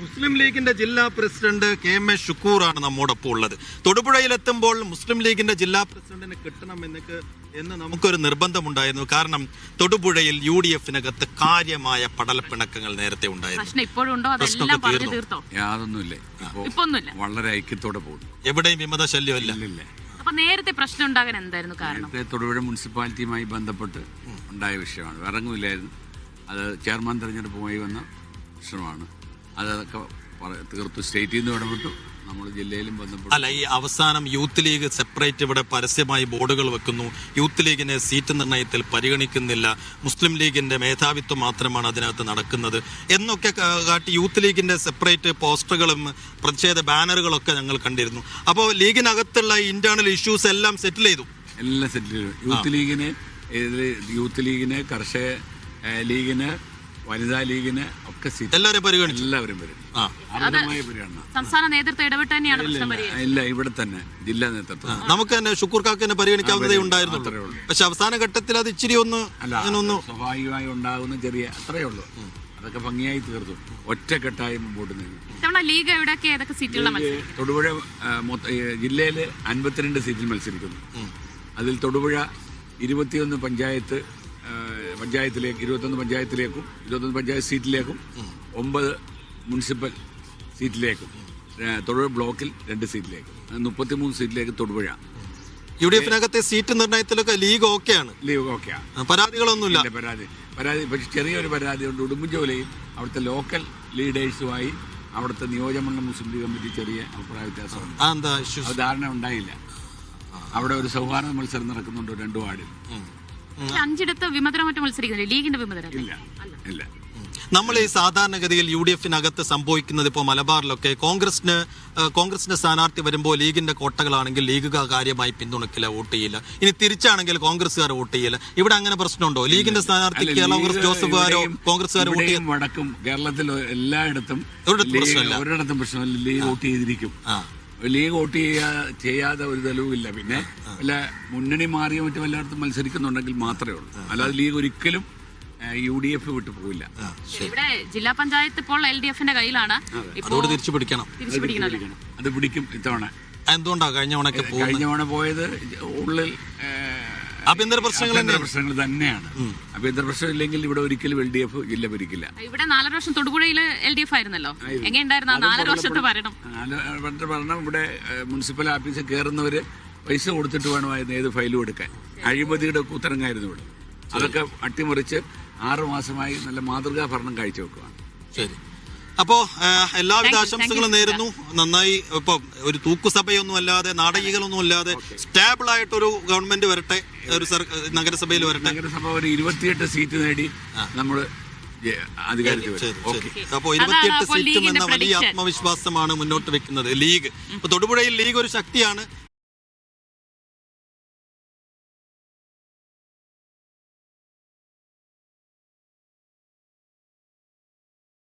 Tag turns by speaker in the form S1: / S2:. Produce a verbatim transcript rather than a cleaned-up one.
S1: മുസ്ലിം ലീഗിന്റെ ജില്ലാ president K M A ഷുക്കൂറാണ് നമ്മോടൊപ്പം ഉള്ളത്. തൊടുപുഴയിലെത്തുമ്പോൾ മുസ്ലിം ലീഗിന്റെ ജില്ലാ പ്രസിഡന്റിനെ കിട്ടണം എന്നൊക്കെ എന്ന് നമുക്കൊരു നിർബന്ധമുണ്ടായിരുന്നു. കാരണം തൊടുപുഴയിൽ യു ഡി എഫിനകത്ത് കാര്യമായ പടലപ്പിണക്കങ്ങൾ നേരത്തെ ഉണ്ടായിരുന്നു.
S2: യാതൊന്നുമില്ല, വളരെ ഐക്യത്തോടെ പോകുന്നു.
S1: എവിടെയും വിമത ശല്യമില്ല.
S3: അപ്പൊ നേരത്തെ പ്രശ്നം ഉണ്ടാകാൻ എന്തായിരുന്നു കാരണം?
S2: നേരത്തെ തൊടുപുഴ മുനിസിപ്പാലിറ്റിയുമായി ബന്ധപ്പെട്ട് ഉണ്ടായ വിഷയമാണ്. ഇറങ്ങുമില്ലായിരുന്നു. അത് ചെയർമാൻ തെരഞ്ഞെടുപ്പുമായി വന്ന പ്രശ്നമാണ്. അതൊക്കെ തീർത്തു. സ്റ്റേറ്റിൽ നിന്ന് ഇടപെട്ടു, നമ്മൾ ജില്ലയിലും ബന്ധപ്പെട്ടു.
S1: അല്ല, ഈ അവസാനം യൂത്ത് ലീഗ് സെപ്പറേറ്റ് ഇവിടെ പരസ്യമായി ബോർഡുകൾ വെക്കുന്നു. യൂത്ത് ലീഗിനെ സീറ്റ് നിർണയത്തിൽ പരിഗണിക്കുന്നില്ല, മുസ്ലിം ലീഗിന്റെ മേധാവിത്വം മാത്രമാണ് അതിനകത്ത് നടക്കുന്നത് എന്നൊക്കെ കാട്ടി യൂത്ത് ലീഗിന്റെ സെപ്പറേറ്റ് പോസ്റ്ററുകളും പ്രതിഷേധ ബാനറുകളൊക്കെ ഞങ്ങൾ കണ്ടിരുന്നു. അപ്പോൾ ലീഗിനകത്തുള്ള ഇന്റേണൽ ഇഷ്യൂസ് എല്ലാം സെറ്റിൽ ചെയ്തു
S2: എല്ലാം സെറ്റിൽ ചെയ്തു യൂത്ത് ലീഗിന് യൂത്ത് ലീഗിന് കർഷക ലീഗിന് വനിതാ ലീഗിന് ഒക്കെ സീറ്റ്
S1: എല്ലാവരും പരിഗണിച്ചു.
S2: എല്ലാവരും പരിഗണന
S3: സംസ്ഥാന നേതൃത്വം ഇടപെട്ട് തന്നെയാണ്.
S2: ഇല്ല, ഇവിടെ തന്നെ ജില്ലാ നേതൃത്വം
S1: നമുക്ക് തന്നെ ഷുക്കൂർ കാക്കിനെ പരിഗണിക്കാവുന്നതേ ഉണ്ടായിരുന്നുള്ളൂ. പക്ഷെ അവസാന ഘട്ടത്തിൽ അത് ഇച്ചിരി ഒന്ന്
S2: ഒന്ന് സ്വാഭാവികമായി ഉണ്ടാകുന്ന ചെറിയ അത്രയേ ഉള്ളൂ. അതൊക്കെ ഭംഗിയായി തീർത്തു. ഒറ്റക്കെട്ടായി മുമ്പോട്ട് നീങ്ങി.
S3: ലീഗ് എവിടെയൊക്കെ ഏതൊക്കെ സീറ്റുകൾ?
S2: തൊടുപുഴ ജില്ലയിൽ അൻപത്തിരണ്ട് സീറ്റിൽ മത്സരിക്കുന്നു. അതിൽ തൊടുപുഴ ഇരുപത്തിയൊന്ന് പഞ്ചായത്ത് പഞ്ചായത്തിലേക്ക് ഇരുപത്തൊന്ന് പഞ്ചായത്തിലേക്കും ഇരുപത്തൊന്ന് പഞ്ചായത്ത് സീറ്റിലേക്കും ഒമ്പത് മുനിസിപ്പൽ സീറ്റിലേക്കും തൊടുപുഴ ബ്ലോക്കിൽ രണ്ട് സീറ്റിലേക്കും മുപ്പത്തിമൂന്ന് സീറ്റിലേക്ക് തൊടുപുഴ.
S1: യു ഡി എഫിനകത്തെ സീറ്റ് നിർണയത്തിലൊക്കെ ലീഗ് ഓക്കെയാണ്.
S2: ലീഗ് ഓക്കെയാണ്.
S1: പരാതികളൊന്നുമില്ല.
S2: പരാതി പരാതി പക്ഷെ ചെറിയൊരു പരാതി ഉണ്ട്. ഉടുമ്പൻചോലയും അവിടുത്തെ ലോക്കൽ ലീഡേഴ്സുമായി അവിടുത്തെ നിയോജകമണ്ഡലം മുസ്ലിം ലീഗ് കമ്മിറ്റി ചെറിയ അഭിപ്രായ വ്യത്യാസമുണ്ട്. അത് ധാരണ ഉണ്ടായില്ല. അവിടെ ഒരു സൗഹാർദ്ദ മത്സരം നടക്കുന്നുണ്ട് രണ്ടു വാർഡിൽ.
S3: അഞ്ചിടത്ത് വിമതരം മറ്റും മത്സരിക്കുന്നില്ല ലീഗിന്റെ വിമതരം.
S2: ഇല്ല ഇല്ല
S1: നമ്മൾ ഈ സാധാരണഗതിയിൽ യു ഡി എഫിനകത്ത് സംഭവിക്കുന്നത് ഇപ്പോൾ മലബാറിലൊക്കെ കോൺഗ്രസിന് കോൺഗ്രസിന്റെ സ്ഥാനാർത്ഥി വരുമ്പോൾ ലീഗിന്റെ കോട്ടകളാണെങ്കിൽ ലീഗുകാർ കാര്യമായി പിന്തുണക്കില്ല, വോട്ട് ചെയ്യില്ല. ഇനി തിരിച്ചാണെങ്കിൽ കോൺഗ്രസ്സുകാർ വോട്ട് ചെയ്യില്ല. ഇവിടെ അങ്ങനെ പ്രശ്നമുണ്ടോ? ലീഗിന്റെ സ്ഥാനാർത്ഥി കേരള കോൺഗ്രസ് ജോസഫുകാരോ കോൺഗ്രസ്സുകാർ വോട്ട് ചെയ്യും?
S2: വടക്കും കേരളത്തിൽ എല്ലായിടത്തും ഒരിടത്തും പ്രശ്നമില്ല. ലീഗ് വോട്ട് ചെയ്തിരിക്കും. ലീഗ് വോട്ട് ചെയ്യാ ചെയ്യാതെ ഒരു തെളിവില്ല. പിന്നെ വല്ല മുന്നണി മാറിയോ മറ്റും എല്ലായിടത്തും മത്സരിക്കുന്നുണ്ടെങ്കിൽ മാത്രമേ ഉള്ളൂ. അല്ലാതെ ലീഗ് ഒരിക്കലും യു ഡി എഫ് വിട്ടു പോവില്ല.
S3: ഇവിടെ ജില്ലാ പഞ്ചായത്ത് ഇപ്പോൾ എൽ ഡി എഫിന്റെ കയ്യിലാണ്.
S1: അതോട് തിരിച്ചു പിടിക്കണം.
S2: അത് പിടിക്കും ഇത്തവണ.
S1: എന്തുകൊണ്ടാ കഴിഞ്ഞ തവണ
S2: കഴിഞ്ഞ തവണ പോയത് ഉള്ളിൽ
S1: ആഭ്യന്തര പ്രശ്നങ്ങൾ
S2: പ്രശ്നങ്ങൾ തന്നെയാണ്. ആഭ്യന്തര പ്രശ്നം ഇല്ലെങ്കിൽ ഇവിടെ ഒരിക്കലും എൽ ഡി എഫ് ജില്ല ഭരിക്കില്ല.
S3: ഇവിടെ നാലര വർഷം തൊടുപുഴയിൽ എൽ ഡി എഫ് ആയിരുന്നല്ലോ. എങ്ങനെയുണ്ടായിരുന്നു നാലര വർഷത്തെ ഭരണം?
S2: നാലര ഭരണം ഇവിടെ മുനിസിപ്പൽ ഓഫീസിൽ കയറുന്നവര് പൈസ കൊടുത്തിട്ട് വേണമായിരുന്നു ഏത് ഫയലും എടുക്കാൻ. അഴിമതിയുടെ കൂത്തരങ്ങായിരുന്നു ഇവിടെ. അതൊക്കെ അട്ടിമറിച്ച് ആറു മാസമായി നല്ല മാതൃകാ ഭരണം കാഴ്ചവെക്കുകയാണ്.
S1: ശരി, അപ്പോ എല്ലാവിധ ആശംസകളും നേരുന്നു. നന്നായി. ഇപ്പൊ ഒരു തൂക്കുസഭയൊന്നും അല്ലാതെ നാടകീകളൊന്നും അല്ലാതെ സ്റ്റേബിൾ ആയിട്ടൊരു ഗവൺമെന്റ് വരട്ടെ, ഒരു നഗരസഭയിൽ വരട്ടെ.
S2: നഗരസഭ ഒരു ഇരുപത്തിയെട്ട് സീറ്റ് നേടി നമ്മൾ അധികാരത്തിൽ.
S1: അപ്പോ ഇരുപത്തിയെട്ട് സീറ്റും എന്ന വലിയ ആത്മവിശ്വാസമാണ് മുന്നോട്ട് വെക്കുന്നത് ലീഗ്. ഇപ്പൊ തൊടുപുഴയിൽ ലീഗ് ഒരു ശക്തിയാണ്.